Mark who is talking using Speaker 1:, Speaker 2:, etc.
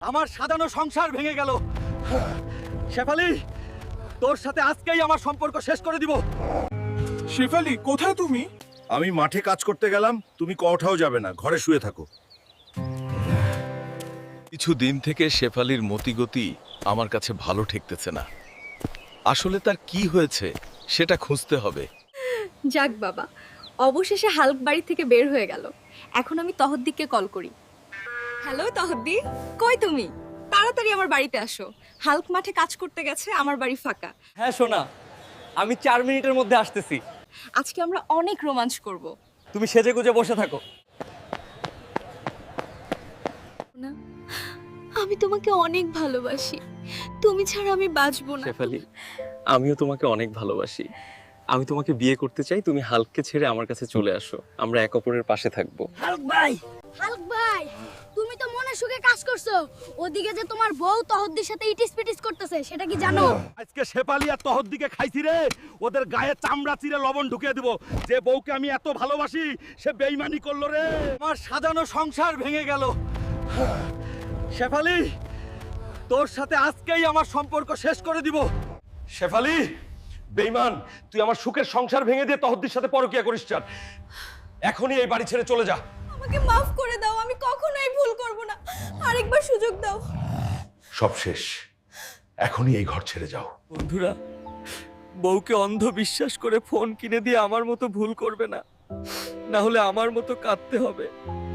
Speaker 1: আমার সাজানো সংসার ভেঙে গেল। শেফালি, তোর সাথে আজকেই আমার সম্পর্ক শেষ করে দিব।
Speaker 2: শেফালি, কোথায় তুমি?
Speaker 3: আমি মাঠে কাজ করতে গেলাম, তুমি কোথাও যাবে না, ঘরে শুয়ে থাকো।
Speaker 4: কিছু দিন থেকে শেফালির মতিগতি আমার কাছে ভালো ঠেকতেছে না। আসলে তার কি হয়েছে সেটা খুঁজতে হবে।
Speaker 5: যাক বাবা, অবশেষে হাল্ক বাড়ি থেকে বের হয়ে গেল। এখন আমি তহদ্দিকে কল করি। হ্যালো তহদ্দি, কই তুমি? তাড়াতাড়ি আমার বাড়িতে আসো। হাল্ক মাঠে কাজ করতে গেছে, আমার বাড়ি ফাঁকা।
Speaker 1: হ্যাঁ সোনা, আমি 4 মিনিটের মধ্যে আসতেছি।
Speaker 5: আজকে আমরা অনেক রোমাঞ্চ করব।
Speaker 1: তুমি সেজে গুজে বসে থাকো।
Speaker 5: না, আমি তোমাকে অনেক ভালোবাসি। তুমি ছাড়া আমি বাঁচবো না।
Speaker 6: শেফালি, আমিও তোমাকে অনেক ভালোবাসি। আমি তোমাকে বিয়ে করতে চাই। তুমি হাল্ককে ছেড়ে আমার কাছে চলে আসো, আমরা এক অপরের পাশে থাকবো।
Speaker 7: হাল্ক ভাই, তুমি তো মনে সুখে কাজ করছো, ওদিকে যে তোমার বউ তহদ্দির সাথে ইটিস পিটিস করতেছে সেটা কি জানো?
Speaker 3: আজকে শেফালি আর তহদ্দিকে খাইছি রে, ওদের গায়ে চামড়া চিরে লবণ ঢুকিয়ে দিব। যে বউকে আমি এত ভালোবাসি সে বেইমানি করলো রে।
Speaker 1: আমার সাজানো সংসার ভেঙে গেল। শেফালি, তোর সাথে আজকেই আমার সম্পর্ক শেষ করে দিব।
Speaker 3: শেফালি, বেইমান, তুই আমার সুখের সংসার ভেঙে দিয়ে তহদ্দির সাথে পরকিয়া করিস। চান এখনই এই বাড়ি ছেড়ে চলে যা।
Speaker 5: আমাকে মাফ করে দাও, আমি কখনোই ভুল করব না। আরেকবার সুযোগ দাও।
Speaker 3: সব শেষ, এখনই এই ঘর ছেড়ে যাও।
Speaker 1: বন্ধুরা, বউকে অন্ধ বিশ্বাস করে ফোন কিনে দিয়ে আমার মতো ভুল করবে না, না হলে আমার মতো কাঁদতে হবে।